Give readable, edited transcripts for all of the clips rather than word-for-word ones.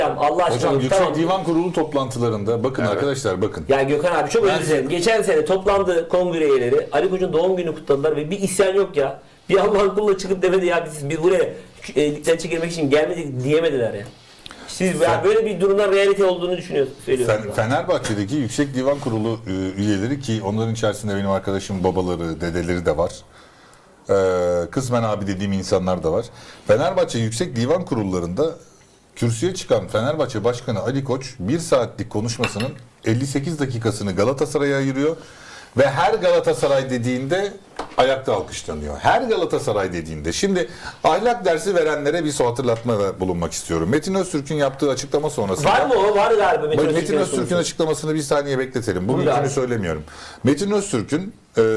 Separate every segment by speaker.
Speaker 1: Allah aşkına.
Speaker 2: Hocam Yüksek
Speaker 1: tamam.
Speaker 2: Divan Kurulu toplantılarında bakın arkadaşlar bakın.
Speaker 1: Ya Gökhan abi çok özür dilerim. Geçen sene toplandı kongre üyeleri. Ali Koç'un doğum günü kutladılar ve bir isyan yok ya. Bir Allah'ın kuluna çıkıp demedi ya biz buraya ligden çekilmek için gelmedik diyemediler ya. Siz ya böyle bir durumda realite olduğunu söylüyorsunuz.
Speaker 2: Fenerbahçe'deki Yüksek Divan Kurulu üyeleri ki onların içerisinde benim arkadaşım babaları, dedeleri de var. Kısmen abi dediğim insanlar da var. Fenerbahçe Yüksek Divan Kurullarında kürsüye çıkan Fenerbahçe Başkanı Ali Koç 1 saatlik konuşmasının 58 dakikasını Galatasaray'a ayırıyor ve her Galatasaray dediğinde ayakta alkışlanıyor. Her Galatasaray dediğinde. Şimdi ahlak dersi verenlere bir hatırlatmada bulunmak istiyorum. Metin Öztürk'ün yaptığı açıklama sonrasında...
Speaker 1: Var mı o? Var galiba.
Speaker 2: Metin Öztürk'ün açıklamasını bir saniye bekletelim. Bugünkünü söylemiyorum. Metin Öztürk'ün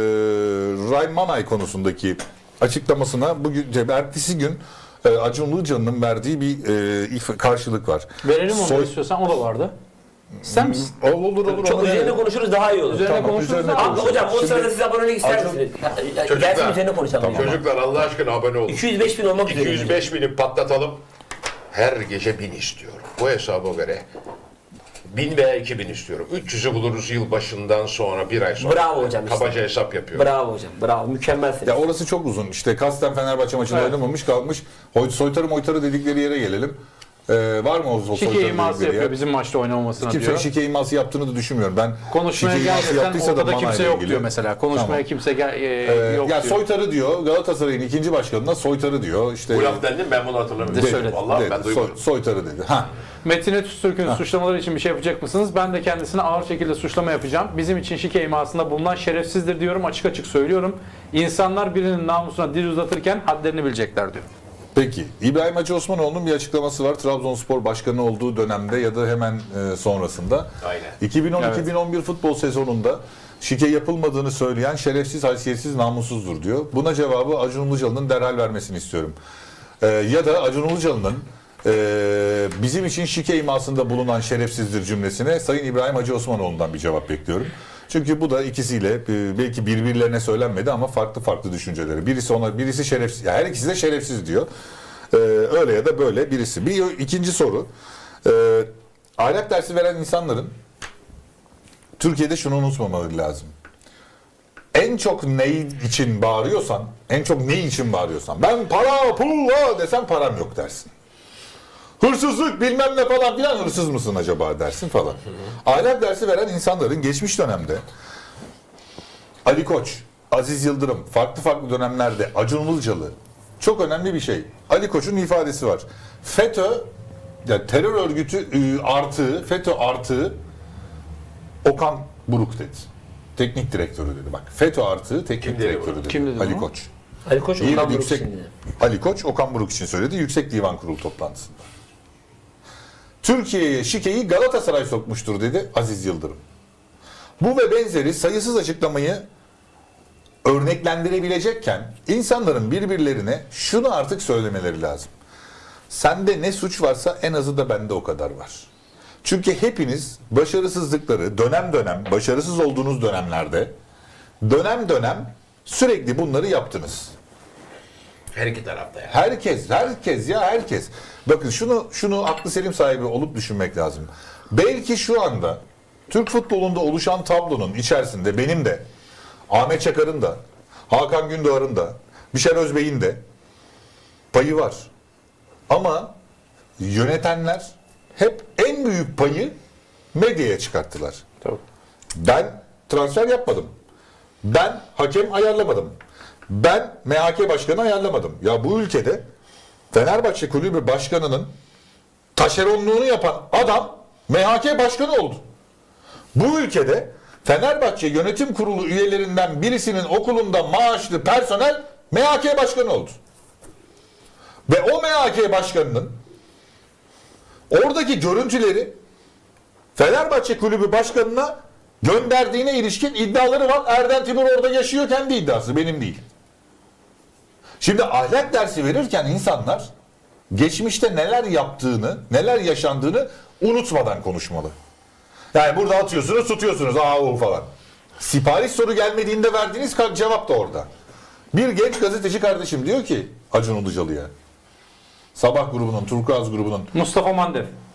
Speaker 2: Ryan Manay konusundaki açıklamasına bugün ertesi gün Acun Ilıcalı'nın verdiği bir karşılık var.
Speaker 3: Verelim onu istiyorsan, o da vardı. Sen misin?
Speaker 2: Olur.
Speaker 1: Çok üzerine konuşuruz daha iyi olur.
Speaker 3: Üzerine
Speaker 2: Tamam,
Speaker 3: konuşuruz.
Speaker 2: üzerine
Speaker 3: Abi,
Speaker 2: konuşuruz.
Speaker 1: Hocam o
Speaker 2: Şimdi-
Speaker 1: sırada siz abonelik ister misiniz? Gelsin üzerine konuşalım.
Speaker 2: Tamam.
Speaker 4: Çocuklar Allah aşkına abone olun.
Speaker 1: 205 bin olmak üzere.
Speaker 4: 205 bini patlatalım. Her gece 1000 istiyorum. Bu hesaba göre 1000 veya 2000 istiyorum. 300'ü buluruz yılbaşından sonra, bir ay sonra.
Speaker 1: Bravo hocam işte.
Speaker 4: Kabaca hesap yapıyorum.
Speaker 1: Bravo hocam. Bravo. Mükemmelsiniz.
Speaker 2: Ya orası çok uzun. İşte kasten Fenerbahçe maçında oynamamış kalmış. Soytarı dedikleri yere gelelim. Var mı o soytarı
Speaker 3: Şike
Speaker 2: dedikleri
Speaker 3: iması
Speaker 2: yer?
Speaker 3: yapıyor bizim maçta oynamamasına
Speaker 2: Kimsenin
Speaker 3: diyor.
Speaker 2: şike iması yaptığını da düşünmüyorum. Ben
Speaker 3: Konuşmaya
Speaker 2: şike iması
Speaker 3: gelmesen
Speaker 2: yaptıysa da
Speaker 3: ortada
Speaker 2: Manay'la
Speaker 3: kimse yok
Speaker 2: ilgili.
Speaker 3: diyor mesela. Konuşmaya
Speaker 2: Tamam.
Speaker 3: kimse yok
Speaker 2: Ya
Speaker 3: diyor.
Speaker 2: soytarı diyor. Galatasaray'ın ikinci başkanına soytarı diyor. İşte
Speaker 4: Bu laf dendi mi? Ben bunu hatırlamıyorum.
Speaker 3: De söyledi.
Speaker 4: Vallahi ben duymadım.
Speaker 2: Soytarı dedi. Ha.
Speaker 3: Metin Öztürk'ün suçlamaları için bir şey yapacak mısınız? Ben de kendisine ağır şekilde suçlama yapacağım. Bizim için şike imasında bulunan şerefsizdir diyorum. Açık açık söylüyorum. İnsanlar birinin namusuna dil uzatırken hadlerini bilecekler diyor.
Speaker 2: Peki. İbrahim Hacı Osmanoğlu'nun bir açıklaması var. Trabzonspor başkanı olduğu dönemde ya da hemen sonrasında.
Speaker 4: Aynen.
Speaker 2: 2010-2011 futbol sezonunda şike yapılmadığını söyleyen şerefsiz, haysiyetsiz, namussuzdur diyor. Buna cevabı Acun Ilıcalı'nın derhal vermesini istiyorum. Ya da Acun Ilıcalı'nın bizim için şike imasında bulunan şerefsizdir cümlesine Sayın İbrahim Hacı Osmanoğlu'ndan bir cevap bekliyorum. Çünkü bu da ikisiyle belki birbirlerine söylenmedi ama farklı düşünceleri. Birisi şerefsiz, yani her ikisi de şerefsiz diyor. Öyle ya da böyle birisi. İkinci soru. Ahlak dersi veren insanların Türkiye'de şunu unutmamaları lazım. En çok ne için bağırıyorsan, ben para, pul desem param yok dersin. Hırsızlık bilmem ne falan filan, hırsız mısın acaba dersin falan. Ahlak dersi veren insanların geçmiş dönemde Ali Koç, Aziz Yıldırım, farklı dönemlerde Acun Ilıcalı, çok önemli bir şey. Ali Koç'un ifadesi var. FETÖ, yani terör örgütü FETÖ artı Okan Buruk dedi. Teknik direktörü dedi. Bak FETÖ artı teknik direktörü dedi.
Speaker 3: Kim dedi
Speaker 2: Ali
Speaker 3: bunu?
Speaker 2: Koç.
Speaker 1: Ali Koç
Speaker 2: Bir
Speaker 1: Okan Buruk
Speaker 2: yüksek
Speaker 1: şimdi.
Speaker 2: Ali Koç Okan Buruk için söyledi Yüksek Divan Kurulu toplantısında. Türkiye'ye şikeyi Galatasaray sokmuştur dedi Aziz Yıldırım. Bu ve benzeri sayısız açıklamayı örneklendirebilecekken insanların birbirlerine şunu artık söylemeleri lazım. Sende ne suç varsa en azı da bende o kadar var. Çünkü hepiniz başarısızlıkları dönem başarısız olduğunuz dönemlerde dönem sürekli bunları yaptınız.
Speaker 4: Her iki tarafta yani.
Speaker 2: Herkes. Bakın şunu aklı selim sahibi olup düşünmek lazım. Belki şu anda Türk futbolunda oluşan tablonun içerisinde benim de, Ahmet Çakar'ın da, Hakan Gündoğar'ın da, Bişar Özbey'in de payı var. Ama yönetenler hep en büyük payı medyaya çıkarttılar.
Speaker 3: Tabii.
Speaker 2: Ben transfer yapmadım. Ben hakem ayarlamadım. Ben MHK başkanı ayarlamadım. Ya bu ülkede Fenerbahçe Kulübü Başkanı'nın taşeronluğunu yapan adam MHK başkanı oldu. Bu ülkede Fenerbahçe Yönetim Kurulu üyelerinden birisinin okulunda maaşlı personel MHK başkanı oldu. Ve o MHK başkanının oradaki görüntüleri Fenerbahçe Kulübü Başkanı'na gönderdiğine ilişkin iddiaları var. Erden Timur orada yaşıyor, kendi iddiası, benim değil. Şimdi ahlak dersi verirken insanlar geçmişte neler yaptığını, neler yaşandığını unutmadan konuşmalı. Yani burada atıyorsunuz, tutuyorsunuz, falan. Sipariş soru gelmediğinde verdiğiniz cevap da orada. Bir genç gazeteci kardeşim diyor ki Acun Ilıcalı'ya, Sabah grubunun, Turkuaz grubunun
Speaker 3: Mustafa Mandev.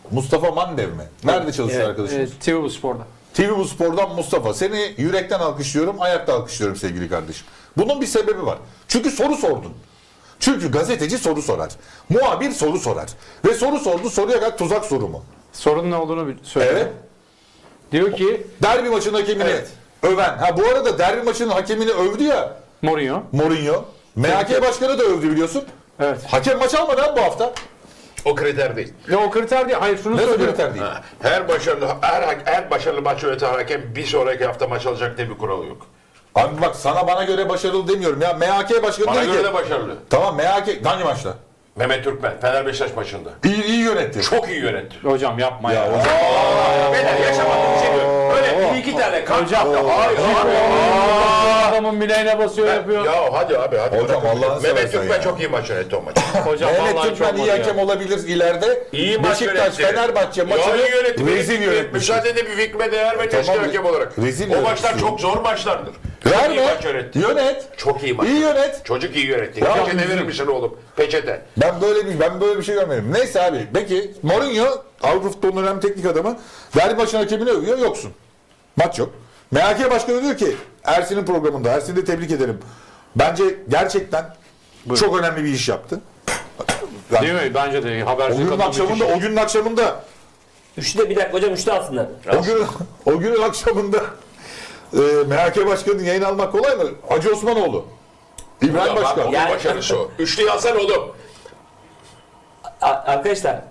Speaker 2: Mustafa Mandev mi? Nerede çalışıyor
Speaker 1: Evet.
Speaker 2: arkadaşımız?
Speaker 3: TV Bu Spor'da.
Speaker 2: TV Bu Spor'dan Mustafa. Seni yürekten alkışlıyorum, ayakta alkışlıyorum sevgili kardeşim. Bunun bir sebebi var. Çünkü soru sordun. Çünkü gazeteci soru sorar. Muhabir soru sorar. Ve soru sordu, soruya kadar tuzak soru mu?
Speaker 3: Sorunun ne olduğunu söylüyor.
Speaker 2: Evet.
Speaker 3: Diyor ki
Speaker 2: Derbi maçının hakemini
Speaker 4: Evet.
Speaker 2: öven. Ha bu arada derbi maçının hakemini övdü ya
Speaker 3: Mourinho.
Speaker 2: Mourinho. MHK başkanı da övdü biliyorsun.
Speaker 3: Evet.
Speaker 2: Hakem maç almadı ha bu hafta.
Speaker 4: O kriter değil.
Speaker 3: Ne o kriter değil. Hayır şunu
Speaker 2: Ne
Speaker 3: söylüyor.
Speaker 2: kriter değil.
Speaker 4: Ha, her başarılı maç yöneten hakem bir sonraki hafta maç alacak diye bir kural yok.
Speaker 2: Abi bak sana bana göre başarılı demiyorum ya. MHK başkanı
Speaker 4: Bana
Speaker 2: dedi
Speaker 4: göre
Speaker 2: ki.
Speaker 4: de başarılı.
Speaker 2: Tamam MHK hangi maçta?
Speaker 4: Mehmet Türkmen, Fener Beşiktaş maçında.
Speaker 2: İyi yönetti.
Speaker 4: Çok iyi yönetti.
Speaker 3: Hocam yapma ya.
Speaker 4: Beyler yaşamadığım bir şey diyor. Öyle bir iki tane kart yaptı. Hayır abi.
Speaker 3: Adamın bileğine basıyor yapıyor.
Speaker 4: Ya hadi abi hadi.
Speaker 2: Hocam,
Speaker 4: bırakın.
Speaker 2: Allah'ını
Speaker 4: Mehmet
Speaker 2: seversen
Speaker 4: Türkmen
Speaker 2: ya.
Speaker 4: çok iyi maç yönetti o maçı.
Speaker 3: Hocam
Speaker 2: Mehmet
Speaker 3: vallahi
Speaker 2: Türkmen
Speaker 3: çok
Speaker 2: iyi
Speaker 3: oluyor.
Speaker 2: hakem olabilir ileride.
Speaker 4: İyi maç
Speaker 2: Beşiktaş,
Speaker 4: yönetti.
Speaker 2: Fenerbahçe maçını
Speaker 4: iyi yönetti.
Speaker 2: rezil yönetmiş.
Speaker 4: Müsaade de bir fikrime değer ve testi
Speaker 2: Tamam,
Speaker 4: hakem olarak.
Speaker 2: rezil
Speaker 4: O maçlar
Speaker 2: yönetmiş.
Speaker 4: çok zor maçlardır. Çok iyi
Speaker 2: Verme.
Speaker 4: maç yönetti.
Speaker 2: Yönet.
Speaker 4: Çok iyi maç.
Speaker 2: İyi yönet.
Speaker 4: Çocuk iyi yönetti.
Speaker 2: Ya
Speaker 4: Peçete
Speaker 2: bizim-
Speaker 4: verir misin oğlum? Peçete.
Speaker 2: Ben böyle bir şey görmedim. Neyse abi. Peki Mourinho Avrupa futbolunun önemli teknik adamı. Derbi maçının hakemini övüyor. Yoksun. Maç yok. MHK başkanı diyor ki Ersin'in programında. Ersin'i de tebrik ederim. Bence gerçekten çok önemli bir iş yaptı. Yani
Speaker 3: Değil mi? Bence de habercilik
Speaker 2: o günün akşamında
Speaker 1: Üçte bir dakika hocam, üçte alsınlar.
Speaker 2: o günün akşamında MHK başkanının yayın almak kolay mı? Hacı Osmanoğlu. İbrahim
Speaker 4: Bak,
Speaker 2: Başkan.
Speaker 4: onun
Speaker 1: Yani-
Speaker 4: başarısı o. Üçlüyü alsan oğlum.
Speaker 1: Arkadaşlar.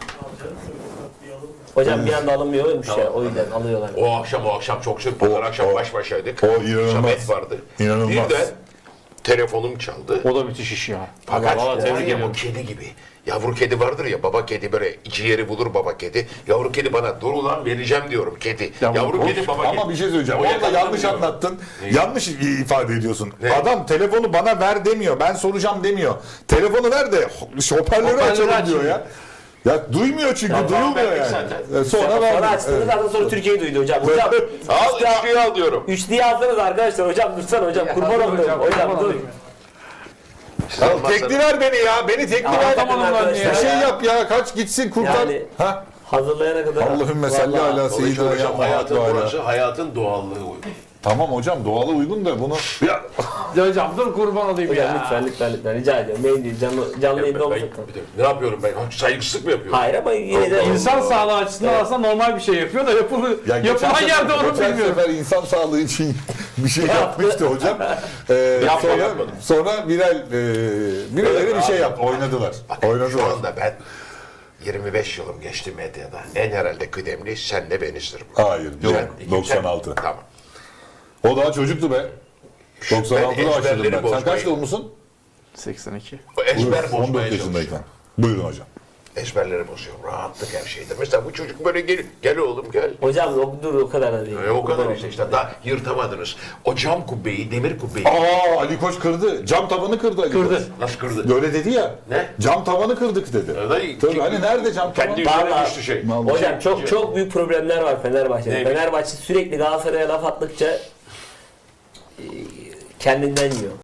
Speaker 1: Hocam bir anda alınmıyormuş ya, o yüzden alıyorlar.
Speaker 4: O akşam çok sürpriz. Akşam baş başaydık.
Speaker 2: o inanılmaz.
Speaker 4: Samet vardı.
Speaker 2: İnanılmaz.
Speaker 4: Bir de telefonum çaldı.
Speaker 3: O da müthiş iş ya.
Speaker 4: Fakat
Speaker 3: Vallahi tebrik
Speaker 4: o
Speaker 3: ediyorum.
Speaker 4: kedi gibi. Yavru kedi vardır ya, baba kedi böyle iki yeri bulur baba kedi. Yavru kedi bana dur ulan vereceğim diyorum kedi. Yavru kedi baba kedi.
Speaker 2: Ama bir şey söyleyeceğim.
Speaker 4: O
Speaker 2: Orada
Speaker 4: yakaladı
Speaker 2: yanlış
Speaker 4: diyorum.
Speaker 2: anlattın. Yanlış ifade ediyorsun.
Speaker 4: Ne?
Speaker 2: Adam telefonu bana ver demiyor. Ben soracağım demiyor. Telefonu ver de hoparlörü açalım diyor ya. Ya duymuyor çünkü. Duyulmuyor
Speaker 4: verdik
Speaker 2: yani.
Speaker 4: zaten.
Speaker 2: Sonra
Speaker 1: Sonra
Speaker 2: verdim.
Speaker 1: açtınız,
Speaker 2: Evet.
Speaker 1: zaten sonra Türkiye'yi duydu hocam. Hocam
Speaker 4: Al üçlüyü al diyorum.
Speaker 1: üçlüyü alsanız arkadaşlar, hocam dursana hocam, kurban olayım hocam dur.
Speaker 2: Ya tekli ver beni ya. Beni tekli ver.
Speaker 1: Tamam arkadaşlar.
Speaker 2: Bir şey yap ya. Kaç gitsin kurtar.
Speaker 1: Yani-
Speaker 2: Ha?
Speaker 1: Hazırlayana kadar.
Speaker 2: Allahümme salli
Speaker 1: Vallahi.
Speaker 2: ala seyyidina
Speaker 4: Hocam
Speaker 2: ya
Speaker 4: hayatın
Speaker 2: Muhammed ve ala.
Speaker 4: burası hayatın doğallığı uygun.
Speaker 2: Tamam hocam doğala uygun da bunu ya
Speaker 3: Hocam dur kurban olayım
Speaker 1: Hocam
Speaker 3: ya.
Speaker 1: lütfen rica ediyorum. Benim değil, canlı yayında olacak.
Speaker 4: Ne yapıyorum ben? Saygısızlık mı yapıyorum?
Speaker 1: Hayır ama yine de
Speaker 3: İnsan sağlığı açısından aslında normal bir şey yapıyor da yapılan yerde onu
Speaker 2: geçen
Speaker 3: bilmiyorum.
Speaker 2: sefer insan sağlığı için bir şey yapmıştı hocam.
Speaker 4: Yapmadım.
Speaker 2: Sonra birileri bir şey yaptı. Oynadılar.
Speaker 4: Şu
Speaker 2: Oynadılar.
Speaker 4: anda ben 25 yılım geçti medyada. En herhalde kıdemli senle benizdir.
Speaker 2: Hayır. Yok.
Speaker 4: Sen-
Speaker 2: 96.
Speaker 4: Tamam.
Speaker 2: O daha çocuktu be. 96'da başladım
Speaker 4: ezberleri
Speaker 2: ben. Sen
Speaker 4: bozmayı-
Speaker 2: kaç doğumlusun?
Speaker 3: 82.
Speaker 4: O ezber
Speaker 2: 14
Speaker 4: bozmaya
Speaker 2: yaşındayken.
Speaker 4: çalışıyorum.
Speaker 2: Buyurun hocam.
Speaker 4: Ezberleri bozuyorum. Rahatlık her şeydir. Mesela bu çocuk böyle gel oğlum gel.
Speaker 1: hocam dur o kadar da değil.
Speaker 4: O kadar işte daha yırtamadınız. O cam kubbeyi, demir kubbeyi
Speaker 2: Ali Koç kırdı. Cam tavanı kırdı Ali Koç.
Speaker 4: nasıl kırdı?
Speaker 2: Öyle dedi ya.
Speaker 4: Ne?
Speaker 2: Cam tavanı kırdık dedi.
Speaker 4: Öyle-
Speaker 2: Tabii hani nerede cam tavan?
Speaker 4: Kendi üzerine
Speaker 1: Vallahi-
Speaker 4: düştü şey.
Speaker 1: Hocam çok büyük problemler var Fenerbahçe'de.
Speaker 4: Neymiş?
Speaker 1: Fenerbahçe sürekli Galatasaray'a laf attıkça kendinden yiyor.